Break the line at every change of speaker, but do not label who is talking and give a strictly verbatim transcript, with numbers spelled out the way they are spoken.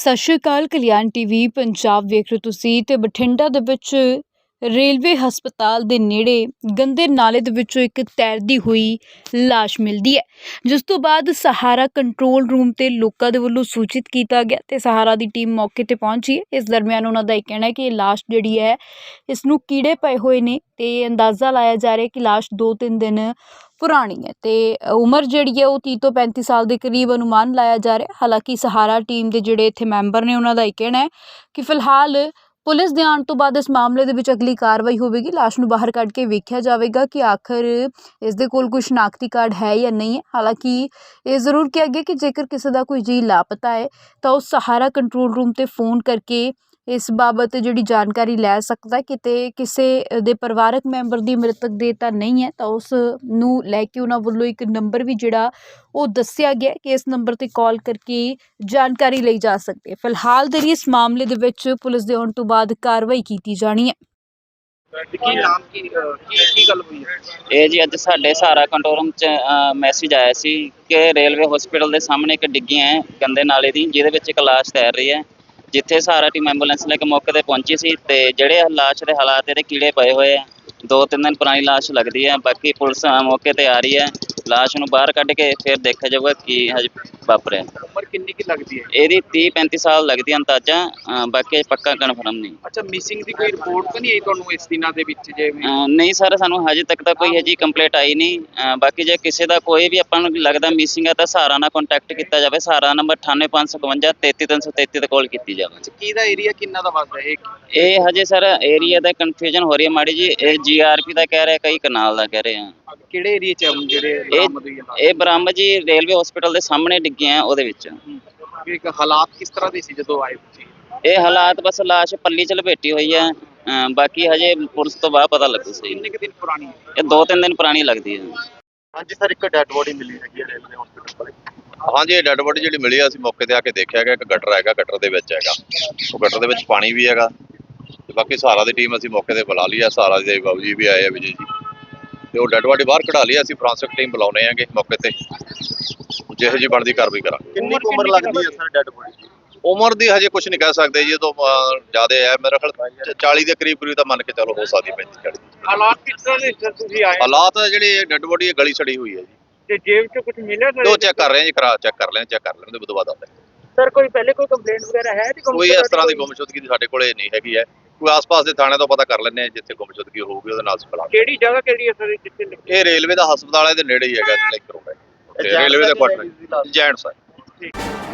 ਸਤਿ ਸ਼੍ਰੀ ਅਕਾਲ। ਕਲਿਆਣ ਟੀਵੀ ਪੰਜਾਬ ਵੇਖ ਰਹੇ ਤੁਸੀਂ ਤੇ ਬਠਿੰਡਾ ਦੇ ਵਿੱਚ ਰੇਲਵੇ ਹਸਪਤਾਲ ਦੇ ਨੇੜੇ ਗੰਦੇ ਨਾਲੇ ਦੇ ਵਿੱਚੋਂ ਇੱਕ ਤੈਰਦੀ ਹੋਈ ਲਾਸ਼ ਮਿਲਦੀ ਹੈ, ਜਿਸ ਤੋਂ ਬਾਅਦ ਸਹਾਰਾ ਕੰਟਰੋਲ ਰੂਮ ਤੇ ਲੋਕਾਂ ਦੇ ਵੱਲੋਂ ਸੂਚਿਤ ਕੀਤਾ ਗਿਆ ਤੇ ਸਹਾਰਾ ਦੀ ਟੀਮ ਮੌਕੇ ਤੇ ਪਹੁੰਚੀ ਹੈ। ਇਸ ਦਰਮਿਆਨ ਉਹਨਾਂ ਦਾ ਇਹ ਕਹਿਣਾ ਹੈ ਕਿ ਇਹ ਲਾਸ਼ ਜਿਹੜੀ ਹੈ ਇਸ ਨੂੰ ਕੀੜੇ ਪਏ ਹੋਏ ਨੇ ਤੇ ਅੰਦਾਜ਼ਾ ਲਾਇਆ ਜਾ ਰਿਹਾ ਕਿ ਲਾਸ਼ ਦੋ ਤਿੰਨ ਦਿਨ ਪੁਰਾਣੀ ਹੈ ਤੇ ਉਮਰ ਜਿਹੜੀ ਹੈ ਉਹ ਤੀਹ ਤੋਂ ਪੈਂਤੀ ਸਾਲ ਦੇ ਕਰੀਬ ਅਨੁਮਾਨ ਲਾਇਆ ਜਾ ਰਿਹਾ। ਹਾਲਾਂਕਿ ਸਹਾਰਾ ਟੀਮ ਦੇ ਜਿਹੜੇ ਇੱਥੇ ਮੈਂਬਰ ਨੇ ਉਹਨਾਂ ਦਾ ਇਹ ਕਹਿਣਾ ਹੈ ਕਿ ਫਿਲਹਾਲ ਪੁਲਿਸ ਦੇ ਆਉਣ ਤੋਂ ਬਾਅਦ ਇਸ ਮਾਮਲੇ ਦੇ ਵਿੱਚ ਅਗਲੀ ਕਾਰਵਾਈ ਹੋਵੇਗੀ। ਲਾਸ਼ ਨੂੰ ਬਾਹਰ ਕੱਢ ਕੇ ਵੇਖਿਆ ਜਾਵੇਗਾ ਕਿ ਆਖਰ ਇਸ ਦੇ ਕੋਲ ਕੋਈ ਸ਼ਨਾਖਤੀ ਕਾਰਡ ਹੈ ਜਾਂ ਨਹੀਂ ਹੈ। ਹਾਲਾਂਕਿ ਇਹ ਜ਼ਰੂਰ ਕਿਹਾ ਗਿਆ ਕਿ ਜੇਕਰ ਕਿਸੇ ਦਾ ਕੋਈ ਜੀਅ ਲਾਪਤਾ ਹੈ ਤਾਂ ਉਹ ਸਹਾਰਾ ਕੰਟਰੋਲ ਰੂਮ ਤੇ ਫੋਨ ਕਰਕੇ ਇਸ ਬਾਬਤ ਜਿਹੜੀ ਜਾਣਕਾਰੀ ਲੈ ਸਕਦਾ। ਕਿਤੇ ਕਿਸੇ ਦੇ ਪਰਿਵਾਰਕ ਮੈਂਬਰ ਦੀ ਮ੍ਰਿਤਕ ਦੇਹ ਤਾਂ ਨਹੀਂ ਹੈ ਤਾਂ ਉਸ ਨੂੰ ਲੈ ਕੇ ਉਹਨਾਂ ਵੱਲੋਂ ਇੱਕ ਨੰਬਰ ਵੀ ਜਿਹੜਾ ਉਹ ਦੱਸਿਆ ਗਿਆ ਕਿ ਇਸ ਨੰਬਰ ਤੇ ਕਾਲ ਕਰਕੇ ਜਾਣਕਾਰੀ ਲਈ ਜਾ ਸਕਦੀ ਹੈ। ਫਿਲਹਾਲ ਦੇ ਲਈ ਇਸ ਮਾਮਲੇ ਦੇ ਵਿੱਚ ਪੁਲਿਸ ਦੇ ਆਉਣ ਤੋਂ ਬਾਅਦ ਕਾਰਵਾਈ ਕੀਤੀ ਜਾਣੀ ਹੈ।
ਕੀ ਨਾਮ ਕੀ ਕੀ ਕੀ ਗੱਲ ਹੋਈ ਹੈ?
ਇਹ ਜੀ ਅੱਜ ਸਾਡੇ ਸਹਾਰਾ ਕੰਟਰੋਲ ਰੂਮ 'ਚ ਮੈਸੇਜ ਆਇਆ ਸੀ ਕਿ ਰੇਲਵੇ ਹਸਪੀਟਲ ਦੇ ਸਾਹਮਣੇ ਇੱਕ ਡਿੱਗੀ ਹੈ ਗੰਦੇ ਨਾਲੇ ਦੀ, ਜਿਹਦੇ ਵਿੱਚ ਇੱਕ ਲਾਸ਼ ਤੈਰ ਰਹੀ ਹੈ। ਜਿੱਥੇ ਸਹਾਰਾ ਟੀਮ ਐਂਬੂਲੈਂਸ ਲੈ ਕੇ ਮੌਕੇ ਤੇ ਪਹੁੰਚੀ ਸੀ ਤੇ ਜਿਹੜੇ ਲਾਸ਼ ਦੇ ਹਾਲਾਤ ਇਹਦੇ ਕੀੜੇ ਪਏ ਹੋਏ ਆ, ਦੋ ਤਿੰਨ ਦਿਨ ਪੁਰਾਣੀ ਲਾਸ਼ ਲੱਗਦੀ ਹੈ। ਬਾਕੀ ਪੁਲਿਸ ਮੌਕੇ ਤੇ ਆ ਰਹੀ ਹੈ, ਲਾਸ਼ ਨੂੰ ਬਾਹਰ ਕੱਢ ਕੇ ਫਿਰ ਦੇਖਿਆ ਜਾਊਗਾ ਕੀ ਹਜੇ ਵਾਪਰਿਆ।
ਉਮਰ ਕਿੰਨੀ ਕੀ ਲੱਗਦੀ ਹੈ?
ਇਹਦੀ ਤੀਹ ਪੈਂਤੀ ਸਾਲ ਲੱਗਦੀ ਹੈ ਅੰਦਾਜ਼ਾ, ਬਾਕੀ ਪੱਕਾ ਕਨਫਰਮ ਨਹੀਂ।
ਅੱਛਾ, ਮਿਸਿੰਗ ਦੀ ਕੋਈ ਰਿਪੋਰਟ ਤਾਂ ਨਹੀਂ ਆਈ ਤੁਹਾਨੂੰ ਇਸ ਦਿਨਾਂ ਦੇ ਵਿੱਚ? ਜੇ
ਨਹੀਂ ਸਰ, ਸਾਨੂੰ ਹਜੇ ਤੱਕ ਤਾਂ ਕੋਈ ਹਜੇ ਕੰਪਲੇਂਟ ਆਈ ਨਹੀਂ। ਬਾਕੀ ਜੇ ਕਿਸੇ ਦਾ ਕੋਈ ਵੀ ਆਪਾਂ ਨੂੰ ਲੱਗਦਾ ਮਿਸਿੰਗ ਹੈ ਤਾਂ ਸਹਾਰਾ ਨਾਲ ਕੰਟੈਕਟ ਕੀਤਾ ਜਾਵੇ। ਸਹਾਰਾ ਨੰਬਰ ਅਠਾਨਵੇਂ ਪੰਜ ਸੌ ਇਕਵੰਜਾ ਤੇਤੀ ਤਿੰਨ ਸੌ ਤੇਤੀ ਤੇ ਕਾਲ ਕੀਤੀ ਜਾਵੇ।
ਕਿਹਦਾ ਏਰੀਆ ਕਿੰਨਾ ਦਾ ਵੱਸਦਾ ਇਹ?
ਇਹ ਹਜੇ ਸਰ ਏਰੀਆ ਦਾ ਕਨਫਿਊਜ਼ਨ ਹੋ ਰਹੀ ਹੈ ਮਾੜੀ ਜੀ। ਇਹ ਜੀ ਆਰ ਪੀ ਦਾ ਕਹਿ ਰਿਹਾ, ਕਈ ਕਨਾਲ ਦਾ ਕਹਿ ਰਹੇ ਆ।
ਕਿਹੜੇ ਏਰੀਆ 'ਚ ਜਿਹੜੇ
ਇਹ ਬਰਾਮਦ ਜੀ ਰੇਲਵੇ ਹਸਪੀਟਲ ਦੇ ਸਾਹਮਣੇ ਡਿੱਗੇ ਆ ਉਹਦੇ ਵਿੱਚ।
ਇੱਕ ਹਾਲਾਤ ਕਿਸ ਤਰ੍ਹਾਂ ਦੇ ਸੀ ਜਦੋਂ ਆਏ ਤੁਸੀਂ?
ਇਹ ਹਾਲਾਤ ਬਸ ਲਾਸ਼ ਪੱਲੀ ਚ ਲਪੇਟੀ ਹੋਈ ਹੈ। ਬਾਕੀ ਹਜੇ ਪੁਲਿਸ ਤੋਂ ਬਾਅਦ ਪਤਾ ਲੱਗੂ ਸਹੀ।
ਕਿੰਨੇ ਕੁ ਦਿਨ ਪੁਰਾਣੀ ਹੈ?
ਇਹ ਦੋ ਤਿੰਨ ਦਿਨ ਪੁਰਾਣੀ ਲੱਗਦੀ ਹੈ।
ਹਾਂਜੀ ਸਰ, ਇੱਕ ਡੈਡ ਬੋਡੀ ਮਿਲੀ ਹੈਗੀ ਹੈ ਰੇਲਵੇ ਹਸਪੀਟਲ ਕੋਲ।
ਹਾਂਜੀ, ਇਹ ਡੈਡ ਬੋਡੀ ਜਿਹੜੀ ਮਿਲੀ ਆ, ਅਸੀਂ ਮੌਕੇ ਤੇ ਆ ਕੇ ਦੇਖਿਆ ਗਿਆ। ਇੱਕ ਗਟਰ ਹੈਗਾ, ਗਟਰ ਦੇ ਵਿੱਚ ਹੈਗਾ, ਉਹ ਗਟਰ ਦੇ ਵਿੱਚ ਪਾਣੀ ਵੀ ਹੈਗਾ। ਤੇ ਬਾਕੀ ਸਹਾਰਾ ਦੀ ਟੀਮ ਅਸੀਂ ਮੌਕੇ ਤੇ ਬੁਲਾ ਲਈ ਆ, ਸਹਾਰਾ ਦੇ ਬਾਬੂ ਜੀ ਵੀ ਆਏ ਆ, ਵਿਜੇ ਜੀ, ਤੇ ਉਹ ਡੈਡ ਬੋਡੀ ਬਾਹਰ ਕਢਾ ਲਈ। ਅਸੀਂ ਫੋਰੈਂਸਿਕ ਟੀਮ ਬੁਲਾਉਣੇ ਆਂਗੇ ਮੌਕੇ ਤੇ, ਜਿਹੋ ਜਿਹੀ ਬਣਦੀ ਕਾਰਵਾਈ ਕਰਾਂਗੇ।
ਕਿੰਨੀ ਉਮਰ ਲੱਗਦੀ ਹੈ ਸਰ ਡੈਡ ਬੋਡੀ ਦੀ?
ਉਮਰ ਦੀ ਹਜੇ ਕੁਝ ਨਹੀਂ ਕਹਿ ਸਕਦੇ ਜੀ, ਜਦੋਂ ਜ਼ਿਆਦਾ ਹੈ ਮੇਰੇ ਖਿਆਲ ਚਾਲੀ ਦੇ ਕਰੀਬ ਕਰੀਬ ਤਾਂ ਮੰਨ ਕੇ ਚਲੋ ਹੋ ਸਕਦੀ ਪੈਂਤੀ ਚਾਲੀ।
ਹਾਲਾਤ ਕਿਸ ਤਰ੍ਹਾਂ ਦੇ ਸਰ ਤੁਸੀਂ ਆਏ?
ਹਾਲਾਤ ਜਿਹੜੀ ਡੈਡ ਬੋਡੀ ਗਲੀ ਸੜੀ ਹੋਈ ਹੈ ਜੀ।
ਤੇ ਜੇਬ 'ਚ ਕੁਝ ਮਿਲਿਆ ਸਰ?
ਉਹ ਚੈੱਕ ਕਰ ਰਹੇ ਹਾਂ ਜੀ, ਖਰਾ ਚੈੱਕ ਕਰ ਲੈਣ ਚੈੱਕ ਕਰ ਲੈਣ ਦੇ ਬਾਅਦ ਆਉਂਦੇ
ਸਰ। ਕੋਈ ਪਹਿਲੇ ਕੋਈ ਕੰਪਲੇਂਟ ਵਗੈਰਾ ਹੈ?
ਕੋਈ ਇਸ ਤਰ੍ਹਾਂ ਦੀ ਗੁੰਮਸ਼ੁਦਗੀ ਸਾਡੇ ਕੋਲੇ ਨਹੀਂ ਹੈਗੀ ਹੈ। ਕੋਈ ਆਸ-ਪਾਸ ਦੇ ਥਾਣੇ ਤੋਂ ਪਤਾ ਕਰ ਲੈਂਦੇ ਹਾਂ, ਜਿੱਥੇ ਗੁੰਮਸ਼ੁਦਗੀ ਹੋਊਗੀ ਉਹਦੇ ਨਾਲ ਸੰਪਰਕ।
ਕਿਹੜੀ ਜਗ੍ਹਾ ਕਿਹੜੀ ਹੈ ਸਰ ਜਿੱਥੇ?
ਇਹ ਰੇਲਵੇ ਦਾ ਹਸਪਤਾਲ ਹੈ ਦੇ ਨੇੜੇ ਹੀ ਹੈਗਾ, ਲਾਈਕ ਰੋਡ ਹੈ, ਰੇਲਵੇ ਦਾ ਕੁਆਟਰ ਜੈਂਟਸ ਹੈ।